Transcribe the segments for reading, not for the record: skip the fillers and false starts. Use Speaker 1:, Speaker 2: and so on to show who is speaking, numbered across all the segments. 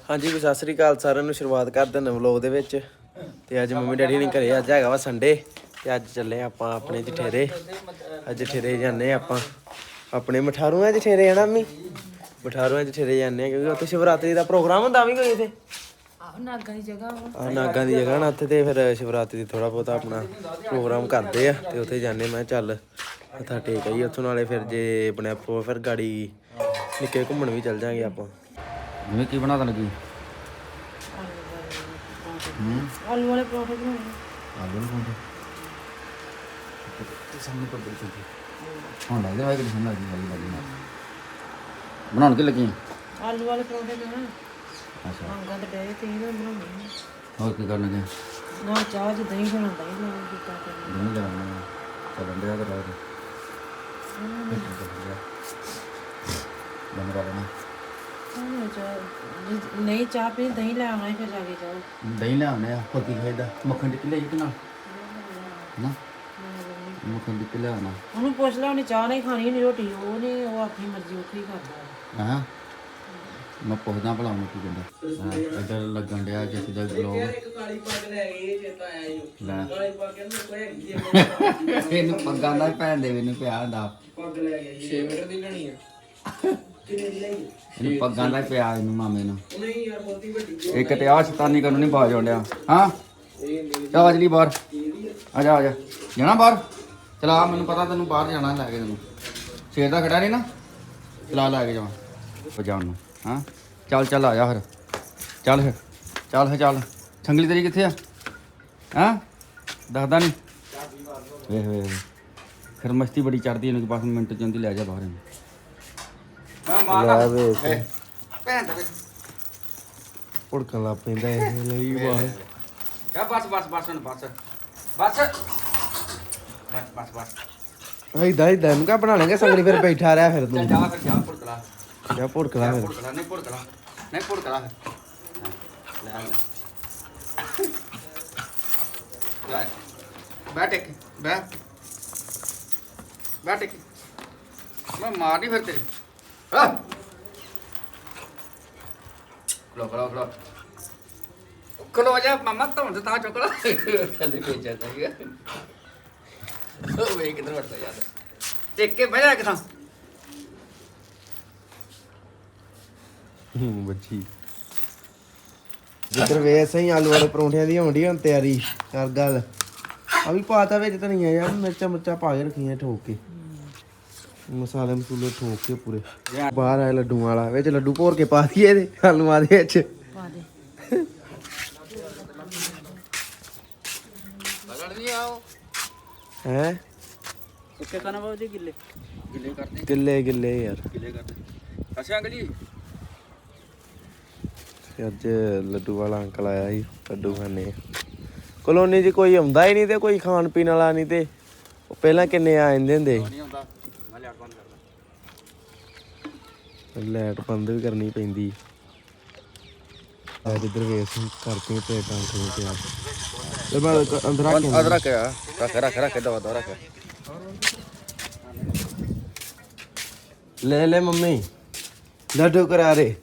Speaker 1: ਹਾਂਜੀ ਸਤਿ ਸ੍ਰੀ ਅਕਾਲ ਸਾਰਿਆਂ ਨੂੰ। ਸ਼ੁਰੂਆਤ ਕਰ ਦਿੰਦੇ ਵਲੋਗ ਦੇ ਵਿੱਚ। ਤੇ ਅੱਜ ਮੰਮੀ ਡੈਡੀ ਨੇ ਘਰੇ, ਅੱਜ ਹੈਗਾ ਵਾ ਸੰਡੇ ਤੇ ਅੱਜ ਚੱਲੇ ਆਪਾਂ ਆਪਣੇ ਜਠੇਰੇ। ਅੱਜ ਜਠੇਰੇ ਜਾਂਦੇ ਆਪਾਂ ਆਪਣੇ ਮਠਾਰੂਆਂ ਜਠੇਰੇ ਆਣਾ ਮੰਮੀ, ਮਠਾਰੂਆਂ ਜਠੇਰੇ ਜਾਂਦੇ ਕਿਉਂਕਿ ਉੱਥੇ ਸ਼ਿਵਰਾਤਰੀ ਦਾ ਪ੍ਰੋਗਰਾਮ ਹੁੰਦਾ ਵੀ ਕੋਈ ਇੱਥੇ।
Speaker 2: ਨਾਗਾਂ ਦੀ ਜਗ੍ਹਾ ਵਾ,
Speaker 1: ਨਾਗਾਂ ਦੀ ਜਗ੍ਹਾ ਨਾ ਉੱਥੇ, ਤੇ ਫਿਰ ਸ਼ਿਵਰਾਤਰੀ ਦੀ ਥੋੜਾ ਬਹੁਤਾ ਆਪਣਾ ਪ੍ਰੋਗਰਾਮ ਕਰਦੇ ਆ ਤੇ ਉੱਥੇ ਜਾਂਦੇ। ਮੈਂ ਚੱਲ ਮੱਥਾ ਟੇਕ ਆਈ ਉੱਥੋਂ, ਨਾਲੇ ਫਿਰ ਜੇ ਆਪਣੇ ਆਪੋ ਫਿਰ ਗਾੜੀ ਨਿੱਕੇ ਘੁੰਮਣ ਵੀ ਚੱਲ ਜਾਾਂਗੇ ਆਪਾਂ।
Speaker 3: ਜਿਵੇਂ ਕੀ ਬਣਾ ਤਾ ਲੱਗੀ?
Speaker 2: ਆਲੂ ਵਾਲੇ ਪਰੌਂਠੇ ਬਣਾਉਣੇ।
Speaker 3: ਆਲੂ ਨੂੰ ਪਾਉਂਦੇ ਤੇ ਸਾਹਮਣੇ ਪਰ ਬੜੀ ਚੁੱਕੀ ਹੁਣ ਲੱਗਦੇ ਹੋਏ ਕਿ ਸੁਣ ਲੱਗੀ ਵਾਲੀ ਨਾਲ ਬਣਾਉਣ ਕੇ ਲੱਗੀ।
Speaker 2: ਆਲੂ ਵਾਲੇ ਪਰੌਂਠੇ ਨਾ
Speaker 3: ਅੱਛਾ,
Speaker 2: ਨਾਗਾਂ ਤੇ ਡੇ ਤੇ ਇਹਨਾਂ ਬਣਾਉਣੇ।
Speaker 3: ਹੋਰ ਕੀ ਕਰਨ ਲੱਗੇ?
Speaker 2: ਨਾ ਚਾਹ ਚ ਦਹੀਂ ਬਣਾਉਂਦਾ ਹੀ ਨਾ ਕੀਤਾ ਕਰਨਾ।
Speaker 3: ਨਹੀਂ ਲੈਣਾ ਚੱਲਣ ਡਿਆ ਤੇ ਰਾਤ ਬੰਦ ਕਰ ਲੈਣਾ।
Speaker 2: ਚਾਹ ਨਹੀਂ, ਚਾਹ ਪੀ ਦਹੀਂ ਲੈ ਆਉਣਾ ਫਿਰ ਜਾ ਕੇ ਜਾਓ।
Speaker 3: ਦਹੀਂ ਲੈ ਆਉਂਦੇ ਆ, ਹੋਰ ਕੀ ਖਾਈਦਾ? ਮੱਖਣ ਟਿੱਕੀ ਲਈ ਕਿ ਨਾ ਨਾ ਮੱਖਣ ਟਿੱਕੀ ਲੈ ਆਉਣਾ।
Speaker 2: ਉਹਨੂੰ ਪੁੱਛ ਲੈ, ਉਹਨੇ ਚਾਹ ਨਹੀਂ ਖਾਣੀ ਨਹੀਂ ਰੋਟੀ, ਉਹ ਨਹੀਂ, ਉਹ ਆਪਣੀ ਮਰਜ਼ੀ ਉੱਥੇ ਹੀ ਕਰਦਾ।
Speaker 3: ਹਾਂ ਮੈਂ ਪੁੱਛਦਾ ਭਲਾ ਉਹਨੂੰ ਕੀ ਕਹਿੰਦਾ। ਇੱਧਰ ਲੱਗਣ ਡਿਆ ਜਿਸ ਦਾ ਗਲੋਬ ਇਹਨੂੰ ਪੱਗਾਂ ਦਾ ਭੈਣ ਦੇ ਮੈਨੂੰ ਪਿਆ ਹੁੰਦਾ।
Speaker 1: 6 ਮੀਟਰ ਦੀ ਲੈਣੀ ਆ।
Speaker 3: ਇਹਨੂੰ ਪੱਗਾਂ ਦਾ ਪਿਆ ਇਹਨੂੰ ਮਾਮੇ ਨੂੰ। ਇੱਕ ਤੇ ਆਹ ਸ਼ੈਤਾਨੀ ਕਰਨ ਨਹੀਂ ਬਾਜ ਆਉਂਦਿਆ। ਹਾਂ ਚਾ ਚਲੀ ਬਾਹਰ ਆ ਜਾ, ਆ ਜਾ ਜਾਣਾ ਬਾਹਰ। ਚਲਾ, ਮੈਨੂੰ ਪਤਾ ਤੈਨੂੰ ਬਾਹਰ ਜਾਣਾ, ਲੈ ਕੇ ਤੈਨੂੰ ਸ਼ੇਰ ਦਾ ਖੜਾ ਨਹੀਂ ਨਾ, ਚਲਾ ਲੈ ਕੇ ਜਾਵਾਂ ਵਜਾਉਣ ਨੂੰ। ਹਾਂ ਚੱਲ ਚੱਲ ਆ ਜਾ ਫਿਰ, ਚੱਲ ਫਿਰ, ਚੱਲ ਫਿਰ ਚੱਲ। ਸੰਗਲੀ ਤੇਰੀ ਕਿੱਥੇ ਆ? ਹਾਂ ਦੱਸਦਾ ਨਹੀਂ। ਵੇਖ ਵੇਖ ਫਿਰ ਮਸਤੀ ਬੜੀ ਚੜਦੀ ਇਹਨੂੰ, ਬਸ ਮਿੰਟ ਚ ਆਉਂਦੀ ਲੈ ਜਾ ਬਾਹਰ ਇਹਨੂੰ।
Speaker 1: ਲੈ ਵੇ
Speaker 3: ਭੈਣ ਦੇ
Speaker 1: ਭੁੜਕਣ ਲੱਗ ਪੈਂਦਾ ਇਹ ਲਈ ਬਾਹਰ।
Speaker 3: ਕਾ ਬਸ ਬਸ ਬਸ ਹੁਣ ਬਸ ਬਸ ਬਸ ਬਸ
Speaker 1: ਇਦਾਂ ਇਹਨੂੰ ਕਾ ਬਣਾ ਲੈਂਗੇ ਸੰਗਲੀ, ਫਿਰ ਬੈਠਾ ਰਿਹਾ ਫਿਰ
Speaker 3: ਚੱਲ
Speaker 1: ਤੂੰ
Speaker 3: ਜਾ ਫਿਰ ਜਾ ਭੁੜਕਲਾ
Speaker 1: ਜਾ ਭੁੜਕਦਾ ਫਿਰ।
Speaker 3: ਭੁੜਕਲਾ ਨਹੀਂ ਭੁੜਕਲਾ ਨਹੀਂ ਭੁੜਕਲਾ ਲੈ ਲੈ ਬੈਠ ਇੱਕ ਬੈਠ ਇੱਕ ਮੈਂ ਮਾਰ ਨਹੀਂ ਫਿਰ ਤੇਰੇ। ਹਾਂ ਖਲੋ ਖਲੋ ਜਾ ਮਾਮਾ ਤੋਂ ਤਾਂ ਚੁੱਕਲਾ ਥੱਲੇ ਭੇਜਿਆ ਜਾਈਗਾ। ਉਹ ਵੇ ਕਿਧਰ ਵੜਦਾ ਯਾਰ, ਟੇਕ ਕੇ ਬਹਿ ਜਾ ਕਿਥਾਂ।
Speaker 1: ਬੱਚੀ ਜਿੱਧਰ ਵੇ ਸਹੀ ਆਲੂ ਵਾਲੇ ਪਰੌਂਠਿਆਂ ਦੀ ਹੋਣੀ ਹੁਣ ਤਿਆਰੀ ਕਰ ਗੱਲ। ਆ ਵੀ ਪਾਤਾ ਵਿੱਚ ਧਨੀਆ ਯਾਰ, ਮਿਰਚਾਂ ਪਾ ਕੇ ਰੱਖੀਆਂ ਠੋਕ ਕੇ, ਮਸਾਲੇ ਮਸੂਲੇ ਠੋਕ ਕੇ ਪੂਰੇ। ਬਾਹਰ ਆਏ ਲੱਡੂਆਂ ਵਾਲਾ, ਵਿੱਚ ਲੱਡੂ ਭੋਰ ਕੇ ਪਾ ਦਈਏ ਇਹਦੇ ਆਲੂਆਂ ਦੇ ਵਿੱਚ।
Speaker 2: ਪਾ ਦੇ
Speaker 3: ਲੜ ਨਹੀਂ ਆਓ
Speaker 1: ਹੈ
Speaker 3: ਕਿੱਥੇ ਕਰਨਾ ਬਾਬੂ ਗਿੱਲੇ ਕਰਦੇ
Speaker 1: ਗਿੱਲੇ ਯਾਰ।
Speaker 3: ਗਿੱਲੇ ਕਰਦੇ। ਅੱਛਾ ਅੰਕਲ ਜੀ
Speaker 1: ਤੇ ਅੱਜ ਲੱਡੂ ਵਾਲਾ ਅੰਕਲ ਆਇਆ ਸੀ, ਲੱਡੂ ਖਾਣੇ। ਕਲੋਨੀ 'ਚ ਕੋਈ ਆਉਂਦਾ ਹੀ ਨਹੀਂ ਤੇ ਕੋਈ ਖਾਣ ਪੀਣ ਵਾਲਾ ਨਹੀਂ, ਤੇ ਉਹ ਪਹਿਲਾਂ ਕਿੰਨੇ ਆ ਜਾਂਦੇ ਹੁੰਦੇ
Speaker 3: ਨਹੀਂ ਆਉਂਦਾ। ਮੈਂ ਲੈਟ ਬੰਦ ਕਰਦਾ।
Speaker 1: ਸੀ। ਲਾਈਟ ਬੰਦ ਵੀ ਕਰਨੀ ਪੈਂਦੀ। ਅੱਜ ਇੱਧਰ ਵੇਸ ਕਰਕੇ ਪਲੇਟਾਂ ਖੋਲ ਕੇ ਆ ਤੇ ਮੈਂ ਅੰਦਰ ਆ ਕੇ
Speaker 3: ਰੱਖ ਦਵਾ ਰੱਖ।
Speaker 1: ਲੈ ਮੰਮੀ ਲੱਡੂ ਕਰਾਰੇ,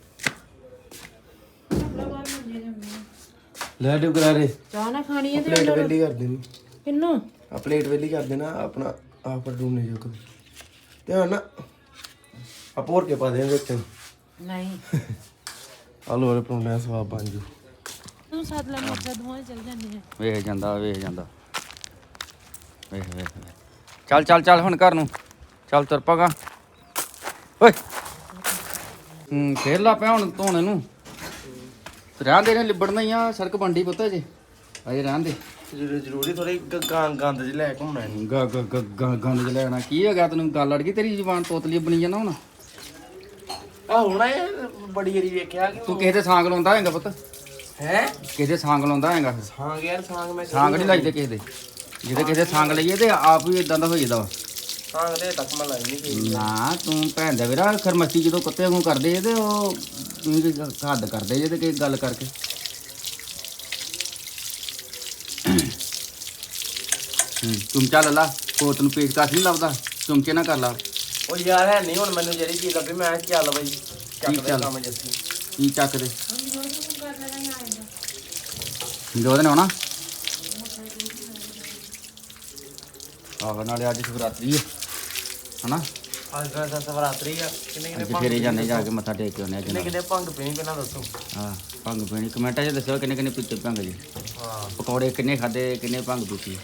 Speaker 1: ਲੱਡੂ ਕਰਾਰੇ।
Speaker 2: ਚਾਹ ਨਾ ਖਾਣੀ ਹੈ ਤੇ
Speaker 1: ਪਲੇਟ ਵੇਲੀ ਕਰ ਦੇਣੀ।
Speaker 2: ਕਿੰਨੂੰ
Speaker 1: ਆ ਪਲੇਟ ਵੇਲੀ ਕਰ ਦੇਣਾ ਆਪਣਾ ਆਪ ਡੂਨੇ ਜੋ ਧਿਆਨ ਨਾ ਆ ਭੋਰ ਕੇ ਪਾ ਦੇ ਵਿੱਚ।
Speaker 2: ਨਹੀਂ
Speaker 1: ਆਲੂ ਵਾਲੇ ਪਰੌਂਠੇ ਦਾ ਸਵਾਦ ਬਣ ਜੂ।
Speaker 2: ਤੂੰ ਸਾਥ ਲੈ ਮੱਛਾ ਦੋਵੇਂ ਚੱਲ ਜਾਂਦੇ ਆ।
Speaker 3: ਵੇਖ ਜਾਂਦਾ ਵੇਖ ਚੱਲ ਹੁਣ ਘਰ ਨੂੰ ਚੱਲ ਤੁਰ ਪਾਗਾ ਓਏ। ਫੇਰ ਲਾ ਪਿਆ ਹੁਣ ਧੋਣੇ ਨੂੰ। ਰਹਿਣ ਦੇ ਨੇ ਲਿਬੜਨਾ ਹੀ ਆ, ਸੜਕ ਬੰਡੀ ਪੁੱਤ ਜੇ ਅਜੇ ਰਹਿਣ ਦੇ।
Speaker 1: ਜ਼ਰੂਰੀ ਥੋੜੀ ਗੰਦ ਚ ਲੈ ਘੁੰਮਣਾ ਨਹੀਂ।
Speaker 3: ਗੰਦ ਚ ਲੈਣਾ ਕੀ ਹੋ ਗਿਆ ਤੈਨੂੰ? ਗੱਲ ਅੜ ਗਈ ਤੇਰੀ ਜ਼ੁਬਾਨ ਤੋਤਲੀ ਬਣੀ ਜਾਂਦਾ ਹੁਣ।
Speaker 1: ਆ ਹੁਣ ਇਹ ਬੜੀ ਵਾਰੀ ਵੇਖਿਆ ਕਿ
Speaker 3: ਤੂੰ ਕਿਸੇ ਦੇ ਸਾਂਗ ਲਾਉਂਦਾ ਹੈਗਾ ਪੁੱਤ?
Speaker 1: ਹੈ
Speaker 3: ਕਿਸੇ ਦੇ ਸਾਂਗ ਲਾਉਂਦਾ ਹੈਗਾ?
Speaker 1: ਸਾਂਗ ਯਾਰ ਸਾਂਗ ਮੈਂ
Speaker 3: ਸਾਂਗ ਨਹੀਂ ਲਾਈਦੇ ਕਿਸੇ ਦੇ। ਜਿਹਦੇ ਕਿਸੇ ਦੇ ਸਾਂਗ ਲਈਏ ਤੇ ਆਪ ਵੀ ਇਦਾਂ ਦਾ ਹੋ ਜਾਂਦਾ ਵਾ।
Speaker 1: ਸਾਂਗ ਦੇ ਤੱਕ ਮੈਂ ਲਾਈ ਨਹੀਂ।
Speaker 3: ਨਾ ਤੂੰ ਭੈਣ ਦਾ ਵੀਰਾ ਖਰਮਸਤੀ ਜਦੋਂ ਕੁੱਤੇ ਵਾਂਗੂ ਕਰਦੇ ਤੇ ਉਹ ਤੁਸੀਂ ਹੱਦ ਕਰਦੇ ਜੇ ਤੇ ਕੋਈ ਗੱਲ ਕਰਕੇ। ਚਮਚਾ ਲੈ ਲਾ, ਕੋਤ ਨੂੰ ਪੇਚਕਸ ਨਹੀਂ ਲੱਭਦਾ, ਚਮਚੇ ਨਾ ਕਰ ਲਾ।
Speaker 1: ਉਹ ਯਾਰ ਹੈ ਨਹੀਂ ਹੁਣ ਮੈਨੂੰ ਜਿਹੜੀ ਚੀਜ਼ ਲੱਭੀ ਮੈਂ ਚੱਲ ਬਈ ਚੱਕ ਦੇ ਕੰਮ ਜੱਸੀ
Speaker 3: ਕੀ ਚੱਕਦੇ ਜੋ ਦਿਨ ਆਉਣਾ ਆਹ ਨਾਲੇ ਅੱਜ ਸ਼ਿਵਰਾਤਰੀ ਹੈ ਹਨਾ
Speaker 1: ਅੱਜ ਦਾ ਸਵਰਾਤਰੀ ਆ ਕਿੰਨੇ
Speaker 3: ਅੱਜ ਫੇਰੇ ਜਾਂਦੇ ਜਾ ਕੇ ਮੱਥਾ ਟੇਕ ਕੇ ਆਉਂਦੇ ਆ
Speaker 1: ਕਿੰਨੇ
Speaker 3: ਜਨਾਬ
Speaker 1: ਕਿੰਨੇ ਭੰਗ ਪੀਣੀ ਪਹਿਲਾਂ ਦੱਸੋ
Speaker 3: ਹਾਂ ਭੰਗ ਪੀਣੀ ਕਮੈਂਟਾਂ 'ਚ ਦੱਸੋ ਕਿੰਨੇ ਕਿੰਨੇ ਪੀਤੇ ਭੰਗ ਜੀ
Speaker 1: ਹਾਂ
Speaker 3: ਪਕੌੜੇ ਕਿੰਨੇ ਖਾਦੇ ਕਿੰਨੇ ਭੰਗ ਪੀਤੀ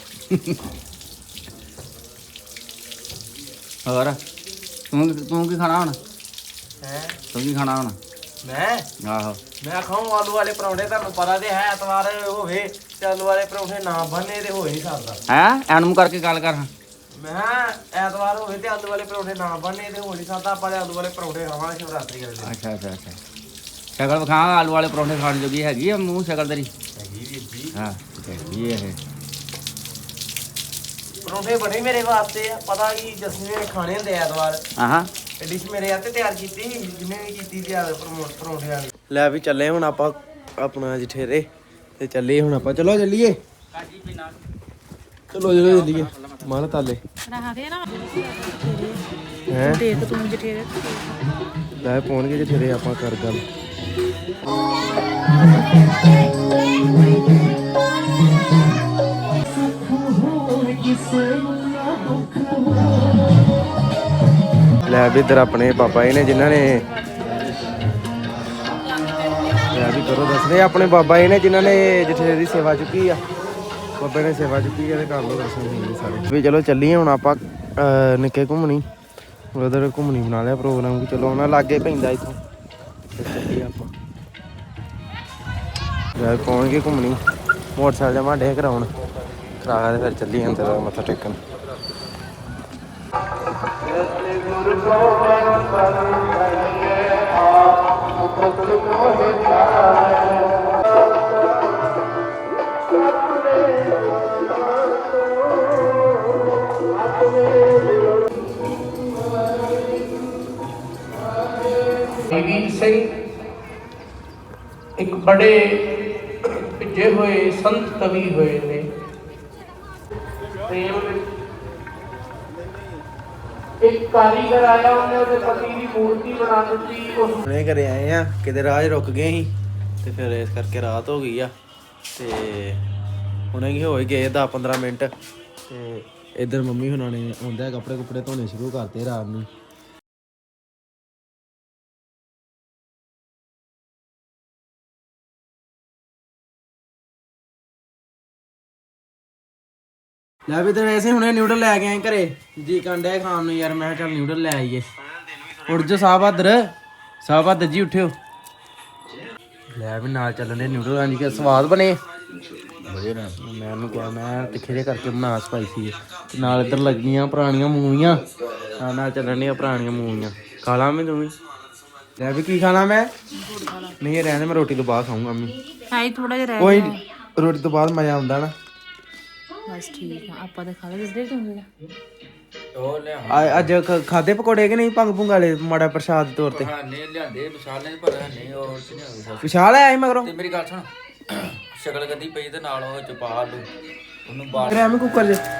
Speaker 3: ਹੋਰ ਤੂੰ ਕੀ ਖਾਣਾ ਹੁਣ
Speaker 1: ਹੈ
Speaker 3: ਤੂੰ ਕੀ ਖਾਣਾ ਹੁਣ
Speaker 1: ਮੈਂ
Speaker 3: ਆਹੋ
Speaker 1: ਮੈਂ ਖਾਉਂ ਆਲੂ ਵਾਲੇ ਪਰੌਂਠੇ ਤੁਹਾਨੂੰ ਪਤਾ ਤੇ ਹੈ ਐਤਵਾਰ ਹੋਵੇ ਤੇ ਆਲੂ ਵਾਲੇ ਪਰੌਂਠੇ ਨਾ ਬੰਨੇ ਤੇ ਹੋ ਹੀ ਨਹੀਂ ਸਕਦਾ
Speaker 3: ਹੈ ਐਨਮ ਕਰਕੇ ਗੱਲ ਕਰ
Speaker 1: ਮੈਂ ਕਿਹਾ ਐਤਵਾਰ ਹੋਵੇ ਤੇ ਆਲੂ ਵਾਲੇ ਪਰੌਂਠੇ ਨਾ ਬੰਨੇ ਤੇ ਹੋ ਨਹੀਂ ਸਕਦਾ ਆਪਾਂ ਤੇ ਆਲੂ ਵਾਲੇ ਪਰੌਂਠੇ ਖਾਵਾਂਗੇ ਸ਼ਿਵਰਾਤਰੀ ਵਾਲੇ ਦਿਨ
Speaker 3: ਅੱਛਾ ਅੱਛਾ ਅੱਛਾ ਸ਼ਕਲ ਵਿਖਾ ਆਲੂ ਵਾਲੇ ਪਰੌਂਠੇ ਖਾਣ ਜੋਗੀ ਹੈਗੀ ਆ ਮੂੰਹ ਸ਼ਕਲ ਤੇਰੀ
Speaker 1: ਹੈਗੀ ਵੀਰ ਜੀ
Speaker 3: ਹਾਂ ਹੈਗੀ ਇਹ
Speaker 1: ਪਰੌਂਠੇ ਬਣੇ ਮੇਰੇ ਵਾਸਤੇ ਆ ਪਤਾ ਕੀ ਜਸਮੀ ਨੇ ਖਾਣੇ ਹੁੰਦੇ ਐਤਵਾਰ
Speaker 3: ਆਹਾਂ
Speaker 1: ਇਹ ਡਿਸ਼ ਮੇਰੇ ਹੱਥੇ ਤਿਆਰ ਕੀਤੀ ਜਿੰਨੇ ਵੀ ਕੀਤੀ ਤਿਆਰ ਪਰੌਂਠੇ ਵਾਲੀ ਲੈ ਵੀ ਚੱਲੇ ਹੁਣ ਆਪਾਂ ਆਪਣਾ ਜਠੇਰੇ ਤੇ ਚੱਲੇ ਹੁਣ ਆਪਾਂ ਚਲੋ ਚੱਲੀਏ ਚਲੋ ਚੱਲੀਏ ਮਾਰ ਤਾਲੇ
Speaker 2: ਰਹਾ ਦੇ ਨਾ
Speaker 1: ਹੈ
Speaker 2: ਦੇਖ ਤੂੰ ਜਠੇਰੇ
Speaker 1: ਲੈ ਪਹੁੰਚ ਗਏ ਜਠੇਰੇ ਆਪਾਂ ਕਰ ਗੱਲ ਲੈ ਵੀ ਇੱਧਰ ਆਪਣੇ ਬਾਬਾ ਜੀ ਨੇ ਜਿਨ੍ਹਾਂ ਨੇ ਲੈ ਵੀ ਕਰੋ ਦੱਸਦੇ ਆਪਣੇ ਬਾਬਾ ਜੀ ਨੇ ਜਿਨ੍ਹਾਂ ਨੇ ਜਠੇਰੇ ਦੀ ਸੇਵਾ ਚੁੱਕੀ ਆ ਬਾਬੇ ਨੇ ਸੇਵਾ ਚੁੱਕੀ ਆ ਤੇ ਕਰ ਲੋ ਦਰਸ਼ਨ ਹੋਣਗੇ ਸਾਰੇ ਵੀ ਚਲੋ ਚੱਲੀਏ ਹੁਣ ਆਪਾਂ ਨਿੱਕੇ ਘੁੰਮਣੀ ਉਧਰ ਘੁੰਮਣੀ ਬਣਾ ਲਿਆ ਪ੍ਰੋਗਰਾਮ ਕਿ ਚਲੋ ਉਹਨਾਂ ਲਾਗੇ ਪੈਂਦਾ ਇੱਥੋਂ ਤੇ ਚੱਲੀਏ ਆਪਾਂ ਲੈ ਪਹੁੰਚ ਗਏ ਘੁੰਮਣੀ ਮੋਟਰਸਾਈਕਲ ਜਮਾ ਡੇ ਕਰਾਉਣ ਕਰਾ ਕੇ ਫਿਰ ਚੱਲੀਏ ਅੰਦਰ ਮੱਥਾ ਟੇਕਣ
Speaker 4: ਵੀਰ ਸਿੰਘ ਇੱਕ ਬੜੇ ਭਿੱਜੇ ਹੋਏ ਸੰਤ ਕਵੀ ਹੋਏ ਨੇ ਪ੍ਰੇਮ ਵਿੱਚ ਇੱਕ ਕਾਰੀਗਰ ਆਇਆ ਉਹਨੇ ਉਹਦੇ ਪਤੀ ਦੀ ਮੂਰਤੀ ਬਣਾ ਦਿੱਤੀ ਉਸ
Speaker 1: ਹੁਣੇ ਘਰੇ ਆਏ ਆ ਕਿਤੇ ਰਾਹ 'ਚ ਰੁਕ ਗਏ ਸੀ ਤੇ ਫਿਰ ਇਸ ਕਰਕੇ ਰਾਤ ਹੋ ਗਈ ਆ ਤੇ ਹੁਣੇ ਕੀ ਹੋਏ ਗਏ 10-15 ਮਿੰਟ ਤੇ ਇੱਧਰ ਮੰਮੀ ਹੁਣਾਂ ਨੇ ਆਉਂਦਾ ਕੱਪੜੇ ਕੁਪੜੇ ਧੋਣੇ ਸ਼ੁਰੂ ਕਰਤੇ ਰਾਤ ਨੂੰ ਲੈ ਵੀ ਤੇ ਵੈਸੇ ਹੁਣੇ ਨਿਊਡਲ ਲੈ ਕੇ ਆਏ ਘਰੇ ਜੀ ਕੰਡਿਆ ਖਾਣ ਨੂੰ ਯਾਰ ਮੈਂ ਕਿਹਾ ਚੱਲ ਨਿਊਡਲ ਲੈ ਆਈਏ ਉੱਠ ਜਾ ਸਾਹਿਬ ਬਹਾਦਰ ਜੀ ਉੱਠਿਓ ਲੈ ਵੀ ਨਾਲ ਚੱਲਣ ਦੇ ਨਿਊਡਲ ਆਂ ਜੀ ਸਵਾਦ ਬਣੇ ਵਧੀਆ ਨਾ ਮੈਂ ਉਹਨੂੰ ਕਿਹਾ ਮੈਂ ਤਿੱਖੇ ਜਿਹੇ ਕਰਕੇ ਬਣਾ ਸਪਾਈਸੀ ਤੇ ਨਾਲ ਇੱਧਰ ਲੱਗੀਆਂ ਪੁਰਾਣੀਆਂ ਮੂਵੀਆਂ ਨਾਲ ਚੱਲਣ ਦੀਆਂ ਪੁਰਾਣੀਆਂ ਮੂਵੀਆਂ ਖਾ ਲਾ ਮੈਂ ਤੂੰ ਵੀ ਲੈ ਵੀ ਕੀ ਖਾਣਾ ਮੈਂ ਨਹੀਂ ਇਹ ਰਹਿਣੇ ਮੈਂ ਰੋਟੀ ਤੋਂ ਬਾਅਦ ਖਾਊਂਗਾ ਮੰਮੀ
Speaker 2: ਹਾਈ ਥੋੜਾ ਜਿਹਾ ਰਹਿ
Speaker 1: ਕੋਈ
Speaker 2: ਗਿਆ
Speaker 1: ਰੋਟੀ ਤੋਂ ਬਾਅਦ ਮਜ਼ਾ ਆਉਂਦਾ ਨਾ
Speaker 2: ਬਸ ਠੀਕ ਆ ਆਪਾਂ ਤਾਂ ਖਾ ਲਏ ਜਿੱਦੇ ਤੂੰ
Speaker 3: ਉਹ ਲਿਆ
Speaker 1: ਅੱਜ ਖਾਦੇ ਪਕੌੜੇ ਕਿ ਨਹੀਂ ਭੰਗ ਭੁੰਗ ਵਾਲੇ ਮਾੜਾ ਪ੍ਰਸ਼ਾਦ ਦੇ ਤੌਰ ਤੇ
Speaker 3: ਨੇ ਲਿਆਂਦੇ ਵਿਸ਼ਾਲ ਨੇ ਪਰ ਨਹੀਂ ਉਹ ਨਹੀਂ
Speaker 1: ਵਿਸ਼ਾਲ ਆਇਆ ਸੀ ਮਗਰੋਂ
Speaker 3: ਤੇ ਮੇਰੀ ਗੱਲ ਸੁਣ ਸ਼ਕਲ ਗੱਦੀ ਪਈ ਤੇ ਨਾਲ ਉਹ ਚ ਪਾ ਆਲੂ ਉਹਨੂੰ ਬਾਹਰ
Speaker 1: ਫਿਰ ਐਵੇਂ ਕੁੱਕਰ 'ਚ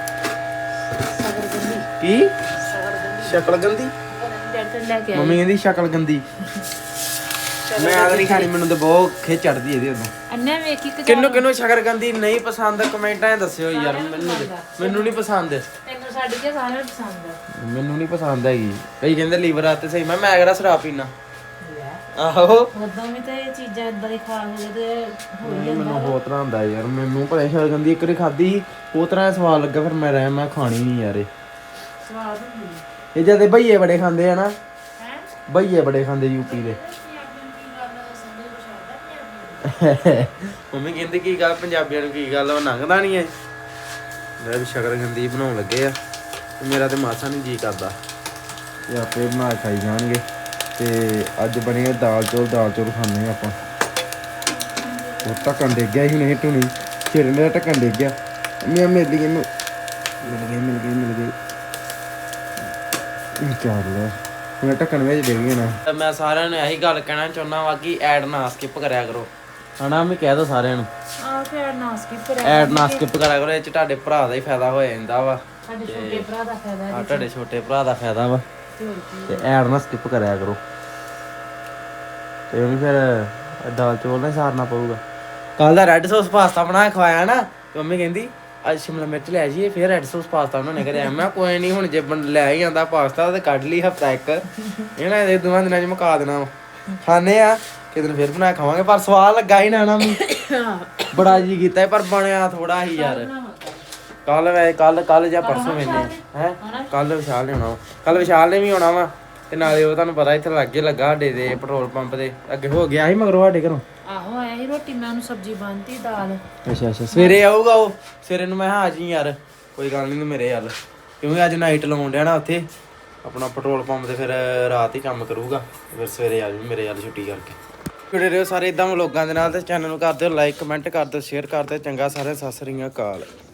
Speaker 1: ਕੀ ਸ਼ਕਲ ਗੰਦੀ
Speaker 2: ਡੈਡ ਲੈ ਕੇ
Speaker 1: ਮੰਮੀ ਕਹਿੰਦੀ ਸ਼ਕਲ ਗੰਦੀ ਮੈਂ ਆਦ ਨਹੀਂ ਖਾਣੀ ਮੈਨੂੰ ਤਾਂ ਬਹੁਤ ਖਿੱਚ ਚੜਦੀ ਇਹਦੇ ਉਦੋਂ
Speaker 2: ਅੰਨੇ ਵੇਖੀ ਕਿ
Speaker 1: ਕਿੰਨੂੰ ਸ਼ਕਲ ਗੰਦੀ ਨਹੀਂ ਪਸੰਦ ਕਮੈਂਟਾਂ 'ਚ ਦੱਸਿਓ ਯਾਰ ਮੈਨੂੰ ਨਹੀਂ ਪਸੰਦ
Speaker 2: ਤੈਨੂੰ ਛੱਡ ਕੇ ਸਾਰਿਆਂ ਨੂੰ ਪਸੰਦ ਆ
Speaker 1: ਮੈਨੂੰ ਨਹੀਂ ਪਸੰਦ ਹੈਗੀ ਕਈ ਕਹਿੰਦੇ ਲੀਵਰ ਆ ਤੇ ਸਹੀ ਮੈਂ ਕਿਹੜਾ ਸ਼ਰਾਬ ਪੀਣਾ ਆਹੋ
Speaker 2: ਉਦੋਂ ਵੀ ਤੇ ਇਹ ਚੀਜ਼ਾਂ ਇਦਾਂ ਦੀ ਖਾ ਕੇ ਤੇ ਹੋ ਹੀ ਜਾਂਦਾ
Speaker 1: ਮੈਨੂੰ ਬਹੁਤ ਤਰ੍ਹਾਂ ਹੁੰਦਾ ਯਾਰ ਮੈਨੂੰ ਭਲੇ ਸ਼ਕਲ ਗੰਦੀ ਇੱਕ ਵਾਰੀ ਖਾਧੀ ਉਹ ਤਰ੍ਹਾਂ ਸਵਾਦ ਲੱਗਾ ਫਿਰ ਮੈਂ ਖਾਣੀ ਨਹੀਂ ਯਾਰ
Speaker 2: ਸਵਾਦ ਹੁੰਦੀ
Speaker 1: ਇਹ ਜਦ ਭਈਏ ਬੜੇ ਖਾਂਦੇ ਆ ਨਾ
Speaker 2: ਹੈ
Speaker 1: ਭਈਏ ਬੜੇ ਖਾਂਦੇ ਯੂਪੀ ਦੇ ਮੰਮੀ ਕਹਿੰਦੀ ਕੀ ਗੱਲ ਪੰਜਾਬੀਆਂ ਨੂੰ ਕੀ ਗੱਲ ਉਹ ਲੰਘਦਾ ਨਹੀਂ ਐ ਮੈਂ ਵੀ ਸ਼ਕਰਗੰਦੀ ਬਣਾਉਣ ਲੱਗੇ ਆ ਤੇ ਮੇਰਾ ਤੇ ਮਾਸਾ ਨਹੀਂ ਜੀ ਕਰਦਾ ਤੇ ਆਪੇ ਬਣਾ ਖਾਈ ਜਾਣਗੇ ਤੇ ਅੱਜ ਬਣੀ ਆ ਦਾਲ ਚੌਲ ਖਾਣੇ ਆ ਆਪਾਂ ਉਹ ਢੱਕਣ ਡਿੱਗ ਗਿਆ ਸੀ ਨਹੀਂ ਟੁਣੀ ਸਿਰ ਮੇਰਾ ਢੱਕਣ ਡਿੱਗ ਗਿਆ ਮੈਂ ਮਿਲ ਗਈ ਚੱਲ ਮੈਂ ਢੱਕਣ ਵਿੱਚ ਡਿੱਗ ਗਿਆ ਨਾ ਮੈਂ ਸਾਰਿਆਂ ਨੂੰ ਇਹੀ ਗੱਲ ਕਹਿਣਾ ਚਾਹੁੰਦਾ ਵਾ ਕਿ ਐਡ ਨਾ ਸਕਿਪ ਕਰਿਆ ਕਰੋ ਹਨਾ ਮੈਂ ਕਹਿ ਦੋ ਸਾਰਿਆਂ ਨੂੰ
Speaker 2: ਆ ਫਿਰ ਨਾ ਸਕਿਪ ਕਰਿਆ
Speaker 1: ਐਡ ਨਾ ਸਕਿਪ ਕਰਿਆ ਕਰੋ ਇਹ ਚ ਤੁਹਾਡੇ ਭਰਾ ਦਾ ਹੀ ਫਾਇਦਾ ਹੋ ਜਾਂਦਾ ਵਾ
Speaker 2: ਸਾਡੇ ਛੋਟੇ ਭਰਾ ਦਾ ਫਾਇਦਾ ਹੈ
Speaker 1: ਤੁਹਾਡੇ ਛੋਟੇ ਭਰਾ ਦਾ ਫਾਇਦਾ ਵਾ
Speaker 2: ਤੇ ਹੋਰ ਕੀ
Speaker 1: ਤੇ ਐਡ ਨਾ ਸਕਿਪ ਕਰਿਆ ਕਰੋ ਤੇ ਉਹ ਵੀ ਫਿਰ ਦਾਲ ਚੌਲ ਨਾਲ ਸਾਰਨਾ ਪਊਗਾ ਕੱਲ ਦਾ ਰੈੱਡ ਸੌਸ ਪਾਸਤਾ ਬਣਾ ਕੇ ਖਵਾਇਆ ਨਾ ਤੇ ਮੰਮੀ ਕਹਿੰਦੀ ਅੱਜ ਸ਼ਿਮਲਾ ਮਿਰਚ ਲੈ ਜਾਈਏ ਫਿਰ ਰੈੱਡ ਸੌਸ ਪਾਸਤਾ ਬਣਾਉਣੇ ਘਰੇ ਮੈਂ ਕਿਹਾ ਕੋਈ ਨਹੀਂ ਹੁਣ ਜੇ ਲੈ ਹੀ ਆਂਦਾ ਪਾਸਤਾ ਤੇ ਕੱਢ ਲਈ ਹਫਤਾ ਇੱਕ ਇਹਨਾਂ ਦੇ ਦੋਵਾਂ ਦਿਨਾਂ 'ਚ ਮੁਕਾ ਦੇਣਾ ਵਾ ਖਾਣੇ ਆ ਕਿਤੇ ਫਿਰ ਬਣਾ ਕੇ ਖਾਵਾਂਗੇ ਪਰ ਸਵਾਦ ਲੱਗਾ ਹੀ ਨਾ ਬੜਾ ਜੀ ਕੀਤਾ ਪਰ ਬਣਿਆ ਥੋੜਾ ਹੀ ਯਾਰ ਕੱਲ ਜਾਂ ਪਰਸੋਂ ਮੈਨੇ ਹੈ ਕੱਲ ਵਿਸ਼ਾਲ ਨੇ ਆਉਣਾ ਕੱਲ ਵਿਸ਼ਾਲ ਨੇ ਵੀ ਆਉਣਾ ਵਾ ਤੇ ਨਾਲੇ ਉਹ ਤੁਹਾਨੂੰ ਪਤਾ ਇੱਥੇ ਲਾਗੇ ਲੱਗਾ ਸਾਡੇ ਦੇ ਪੈਟਰੋਲ ਪੰਪ ਦੇ ਅੱਗੇ ਹੋ ਗਿਆ ਸੀ ਮਗਰੋਂ ਸਾਡੇ ਘਰੋਂ
Speaker 2: ਆਹੋ ਆਇਆ ਸੀ ਰੋਟੀ ਮੈਂ ਉਹਨੂੰ ਸਬਜ਼ੀ ਬਣਤੀ ਦਾਲ
Speaker 1: ਅੱਛਾ ਸਵੇਰੇ ਆਊਗਾ ਉਹ ਸਵੇਰੇ ਨੂੰ ਮੈਂ ਆ ਜੀ ਯਾਰ ਕੋਈ ਗੱਲ ਨਹੀਂ ਮੇਰੇ ਯਾਰ ਕਿਉਂਕਿ ਅੱਜ ਨਾਈਟ ਲਾਉਣ ਡਿਆ ਨਾ ਉੱਥੇ ਆਪਣਾ ਪੈਟਰੋਲ ਪੰਪ ਤੇ ਫਿਰ ਰਾਤ ਹੀ ਕੰਮ ਕਰੂਗਾ ਫਿਰ ਸਵੇਰੇ ਆ ਜੂ ਮੇਰੇ ਯਾਰ ਛੁੱਟੀ ਕਰਕੇ ਜੁੜੇ ਰਹੋ ਸਾਰੇ ਇਦਾਂ ਵਲੋਗਾਂ ਦੇ ਨਾਲ ਤੇ ਚੈਨਲ ਨੂੰ ਕਰ ਦਿਓ ਲਾਈਕ ਕਮੈਂਟ ਕਰ ਦਿਓ ਸ਼ੇਅਰ ਕਰ ਦਿਓ ਚੰਗਾ ਸਾਰਿਆਂ ਸਤਿ ਸ੍ਰੀ ਅਕਾਲ